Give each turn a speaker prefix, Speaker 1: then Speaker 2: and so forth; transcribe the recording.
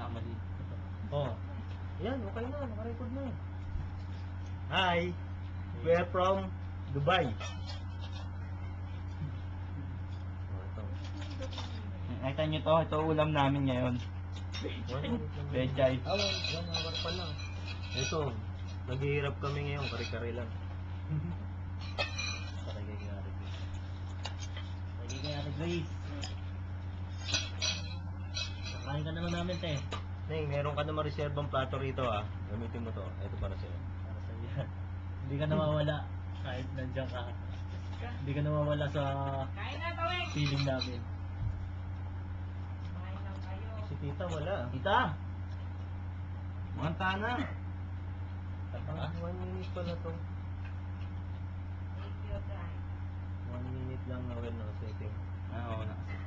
Speaker 1: pinakamali.
Speaker 2: Oh. Yan, okay na. Nakarecord na. Hi. We are from Dubai. Oh, ito.
Speaker 1: Nakita nyo to, ito ulam namin ngayon. Bechay.
Speaker 2: Yan, hawak pa lang. Ito, naghihirap kami ngayon, kare-kare lang. Kare-kare.
Speaker 1: Lagi kaya Ate Grace. Kain ka naman namin, te.
Speaker 2: Neng, meron ka naman reserbang plato rito ah. Gamitin mo to. Ito para sa'yo.
Speaker 1: Para sa iyo. Hindi ka nawawala kahit nandiyan ka. Hindi ka nawawala sa feeling namin.
Speaker 2: Si tita wala.
Speaker 1: Kita! Manta na!
Speaker 2: Ah, 1 minute pala to. 1 minute lang na well nakasetting.
Speaker 1: Oo,